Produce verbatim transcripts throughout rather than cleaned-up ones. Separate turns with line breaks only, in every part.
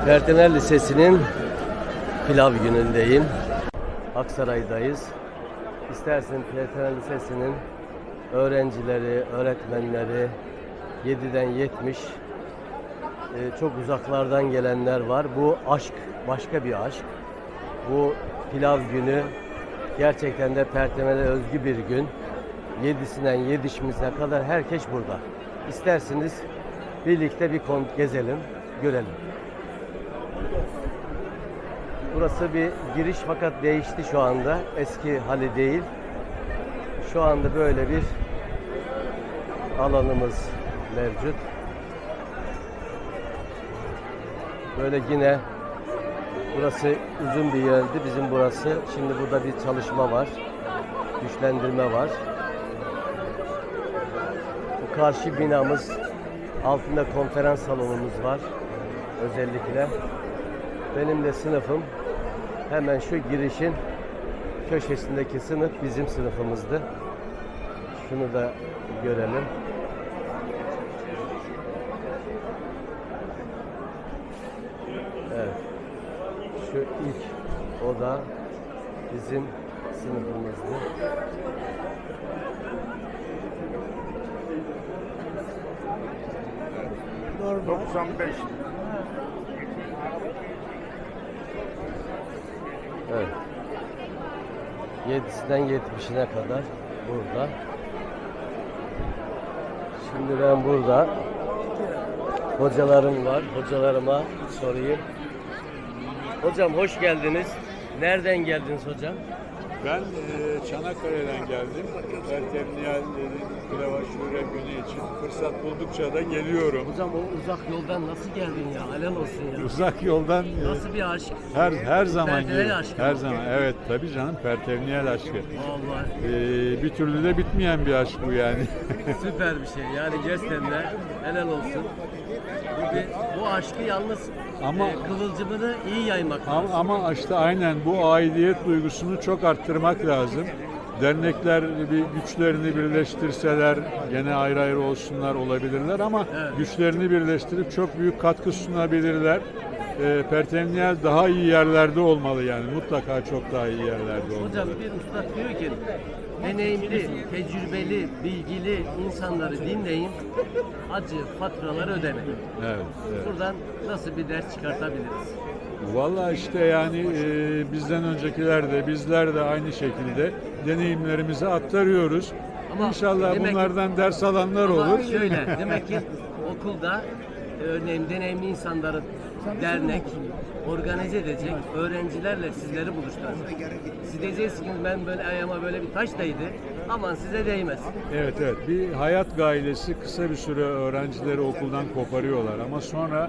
Pertener Lisesi'nin pilav günündeyim. Aksaray'dayız. İstersen Pertener Lisesi'nin öğrencileri, öğretmenleri yediden yetmiş e, çok uzaklardan gelenler var. Bu aşk, başka bir aşk. Bu pilav günü gerçekten de Pertener'e özgü bir gün. Yedisinden yetmişine kadar herkes burada. İsterseniz birlikte bir kon gezelim, görelim. Burası bir giriş fakat değişti şu anda. Eski hali değil. Şu anda böyle bir alanımız mevcut. Böyle yine burası uzun bir yerdi bizim burası. Şimdi burada bir çalışma var. Güçlendirme var. Bu karşı binamız, altında konferans salonumuz var. Özellikle. Benim de sınıfım hemen şu girişin köşesindeki sınıf bizim sınıfımızdı. Şunu da görelim. Evet. Şu ilk oda bizim sınıfımızdı.
doksan beş.
Evet. yedisinden yetmişine kadar burada. Şimdi ben burada hocalarım var. Hocalarıma sorayım. Hocam hoş geldiniz. Nereden geldiniz hocam?
Ben e, Çanakkale'den geldim. Pertemniyel Pilava Şure günü için fırsat buldukça da geliyorum.
Hocam o uzak yoldan nasıl geldin ya? Helal olsun ya.
Uzak yoldan e,
Nasıl bir aşk?
her her zaman
Pertemniyel
geliyorum.
aşkı
Her
mı?
zaman. Evet tabii canım, Pertemniyel aşkı.
Vallahi
E, bir türlü de bitmeyen bir aşk bu yani.
süper bir şey. Yani gerçekten de helal olsun. Bu, bir, bu aşkı yalnız
Ama-
e, kıvılcımını iyi yaymak lazım.
Ama, ama işte aynen bu aidiyet duygusunu çok arttırmak lazım. Dernekler bir güçlerini birleştirseler, gene ayrı ayrı olsunlar olabilirler ama
Evet.
güçlerini birleştirip çok büyük katkı sunabilirler. E, Pertemniyel daha iyi yerlerde olmalı yani, mutlaka çok daha iyi yerlerde olmalı.
Hocam bir usta diyor ki deneyimli, tecrübeli, bilgili insanları dinleyin, acı faturaları ödemeyin.
Evet, evet.
Buradan nasıl bir ders çıkartabiliriz?
Vallahi işte yani e, bizden öncekiler de bizler de aynı şekilde deneyimlerimizi aktarıyoruz.
Ama
İnşallah
demek ki-
bunlardan ders alanlar
Ama
olur.
şöyle, demek ki okulda örneğin deneyimli insanları dernek organize edecek, öğrencilerle sizleri buluşturacak. Siz diyeceksiniz ki ben böyle ayağıma böyle bir taş değdi, aman size değmez.
Evet evet, bir hayat gailesi kısa bir süre öğrencileri okuldan koparıyorlar ama sonra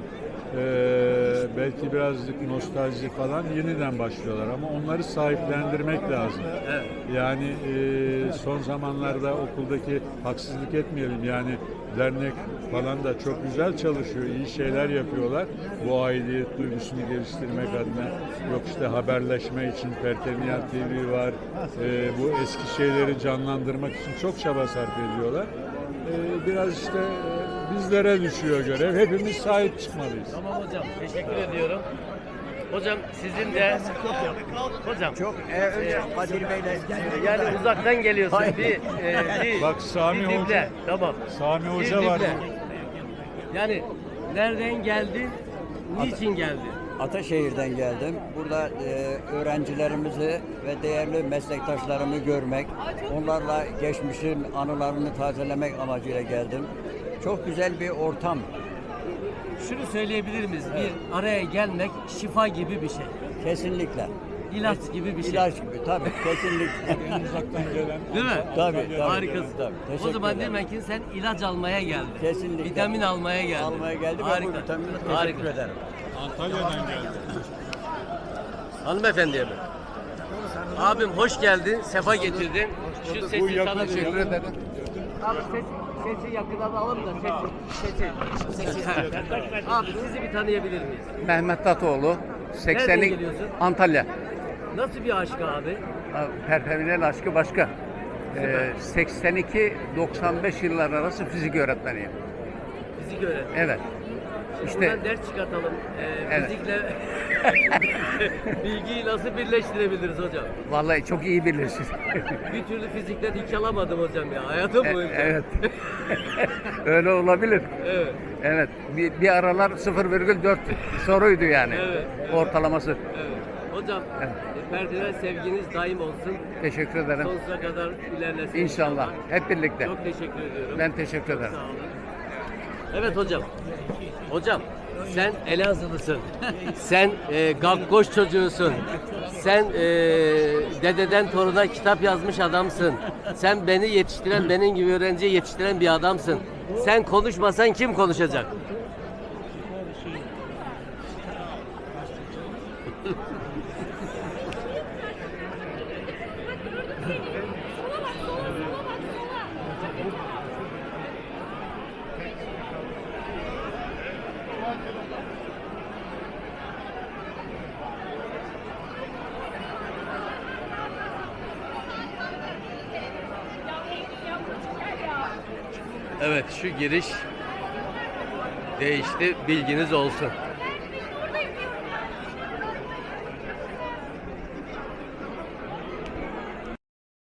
e, belki birazcık nostalji falan yeniden başlıyorlar ama onları sahiplendirmek lazım.
Evet.
Yani e, son zamanlarda okuldaki, haksızlık etmeyelim yani, dernek falan da çok güzel çalışıyor, iyi şeyler yapıyorlar. Bu aidiyet duygusunu geliştirmek adına, yok işte haberleşme için Pertemniyel T V var, e, bu eski şeyleri canlandırmak için çok çaba sarf ediyorlar. E, biraz işte e, bizlere düşüyor görev, hepimiz sahip çıkmalıyız.
Tamam hocam, teşekkür ediyorum. Hocam sizin de hocam
Çok e, önce Kadir Bey'le
yani uzaktan geliyorsun bir, e, bir
Bak Sami
bir
Hoca-
dinle. Tamam.
Sami
Bir
Hoca var.
dinle. Yani nereden geldin? Niçin geldin?
Ataşehir'den geldim. Burada e, öğrencilerimizi ve değerli meslektaşlarımı görmek, onlarla geçmişin anılarını tazelemek amacıyla geldim. Çok güzel bir ortam.
Şunu söyleyebilir miyiz? Bir araya gelmek şifa gibi bir şey.
Kesinlikle.
İlaç gibi bir şey.
İlaç gibi tabii, kesinlikle.
En uzaktan gelen.
Değil mi?
Tabii, tabii.
Harikasın.
Tabii, teşekkür
O zaman
ederim.
demek ki sen ilaç almaya geldin.
Kesinlikle.
Vitamin almaya geldin.
Almaya geldim ve
Harika.
bu vitamini teşekkür
Harika.
ederim.
Antalya'dan geldi.
Hanımefendiye mi? Abim hoş geldin, sefa getirdin. Şu
Bu
sesi
yakın
sana
teşekkür
ederim. Abi ses, sesi yakından alalım da sesi. Sesi. sesi. Abi sizi bir tanıyabilir miyiz?
Mehmet Tatoğlu,
Nereden
seksenlik
geliyorsun?
Antalya.
Nasıl bir aşk abi?
Perpeminel aşkı başka. Ee, seksen iki doksan beş yıllar arası fizik öğretmeniyim.
Fizik öğretmeni.
Evet. İşte-
Buradan ders çıkartalım. Ee,
Evet.
Fizikle bilgiyi nasıl birleştirebiliriz hocam?
Vallahi çok iyi bilirsin.
Bir türlü fizikten hiç alamadım hocam ya. Hayatım
E-
boyunca.
evet. Öyle olabilir.
Evet.
Evet. Bir, bir aralar sıfır virgül dört soruydu yani.
Evet, evet.
Ortalaması.
Evet. Hocam,
Evet.
e, Ferdinand sevginiz daim olsun.
Teşekkür ederim.
Sonsuza kadar ilerlesin.
İnşallah. Hep birlikte.
Çok teşekkür ediyorum.
Ben teşekkür ederim.
Sağ olun. Evet hocam. Hocam sen Elazığlısın. Sen e, Gakkoş çocuğusun. Sen e, dededen toruna kitap yazmış adamsın. Sen beni yetiştiren, benim gibi öğrenciyi yetiştiren bir adamsın. Sen konuşmasan kim konuşacak? Evet, şu giriş değişti, bilginiz olsun.